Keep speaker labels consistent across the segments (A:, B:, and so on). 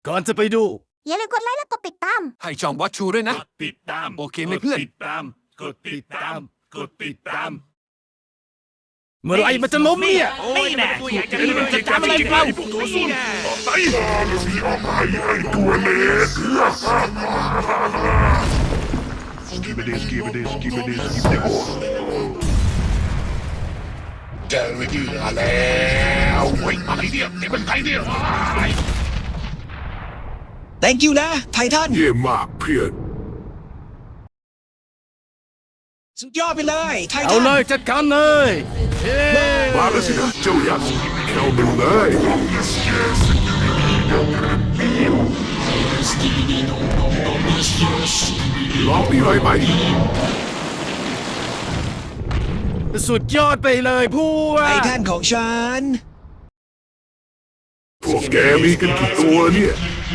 A: ก่อนจะไปดู
B: อย่าลืมกดไลค์และกดติดตาม
C: ให้ช่องวัดชูด้วยนะ
A: กดติดตาม
C: โอเคไหมเพื่อน
A: กดติดตาม กดติดตาม กดติดตาม เมื่อไหรมันจะล้มเนี่ย
D: นี่แน่ตัวใหญ่จะจำอะไรเรา
A: นี่แน่
E: เจอเหยื่อแล้วเฮ้ยอะไรเนี่ยนี่มันใครเนี่ย
F: thank you นะ ไททัน
E: เยี่ยมมากเพื่อน
F: สุดยอดไปเลย ไท
A: เอา
F: ทัน
A: เลยจัดการเลยเย้
E: มาแล้วสินะเจ้ายักษ์เข้ามาเลยลองนี่เลยไหม
A: สุดยอดไปเลยพวก
F: ไททันของฉัน
E: พวกแกมีกันกี่ตัวเนี่ย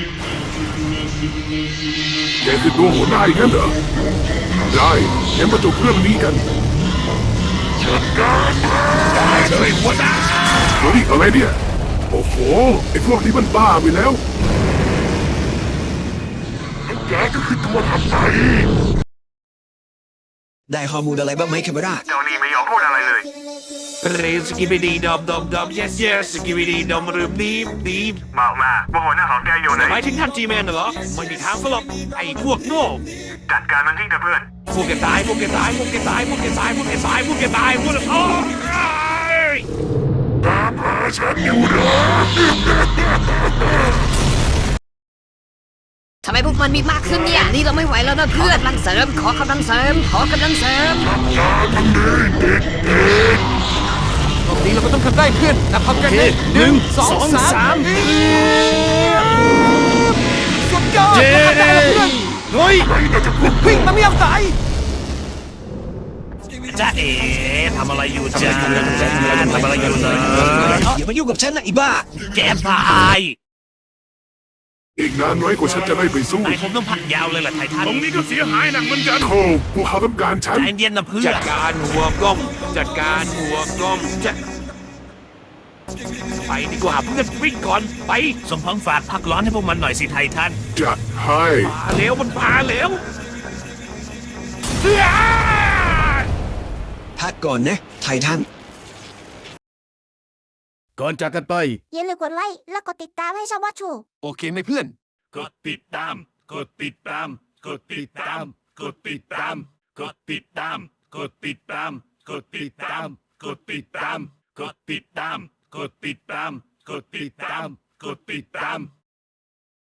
E: แกคือตัวหัวหน้าอีกงั้นเหรอได้งั้นมาจบเรื่องนี้กันจัดการได้เลยหัวหน้าเฮ้ยอะไรเนี่ยโอ้โหไอ้พวกนี้มันบ้าไปแล้วแกก็คือตัวทำไม
F: ได้ข้อมูลอะไรบ้างไหมคาเมรา
G: เจ้านี่ไม่ยอมพูดอะไรเลย
D: เรสกิบิดีดอมดอมดอม yes yes สกิบิดีดอมรืมดีมดีม
G: บอกมาว่าหัวหน้าของแกอยู่ไหน
D: หมายถึงท่านจีแมนเหรอไม่มีทางก็หรอกไอ้พวกโง่
G: จัดการมันทิ้งเถอะเพื่อน
D: พวกแกตายพวกแกตายพวกแกตายพวกแกตายพวกแกตายพวกแกตายพวกโอ้ย
E: ตามหาฉันอยู่นะ
B: ทำไมพวกมันมีมากขึ้นเนี่ย นี่เราไม่ไหวแล้วนะเพื่อนกำลังเสริม ขอกำลังเสริม ขอกำลังเสริม
C: รอบนี้เราก็ต้องทำได้เพื่อนนับพร้อมกัน
A: โอเค
C: เลย
A: หนึ่งสองสาม
C: สุดยอด
A: เย้
C: ทำได้แล้วเพื่อน
A: เฮ้ย
C: วิ่งมาไม่ยอมตาย
D: จ้าเอ๋ทำอะไรอยู่จ้าทำอะไรอยู่นะ
F: อย่ามายุ่งกับฉันนะไอ้บ้า
D: แกตาย
E: อีกนานน้อยกว่าฉันจะได้ไปสู้
D: นายคงต้องพักยาวเลยล่ะไททัน
G: ตรงนี้ก็เสียหายหนักเหมือนกัน
E: โธ่พวกเขาต้องการฉัน
D: ใจเย็นนะเพื่อนจัดการหัวกล้องจัดการหัวกล้องจะไปดีกว่าเพื่อนวิ่งก่อนไปสมพงษ์ฝากพักร้อนให้พวกมันหน่อยสิไททัน
E: จัดให้
D: พาเร็วมันพาเร็ว
F: พักก่อนนะ ไททัน
A: ก่อนจากกันไป
B: อย่าลืมกดไลค์และกดติดตามให้ช่องวัดชู
C: โอเคไหมเพื่อน
A: กดติดตาม กดติดตาม กดติดตาม กดติดตาม กดติดตาม กดติดตาม กดติดตาม กดติดตาม กดติดตาม กดติดตาม กดติดตาม กดติดตาม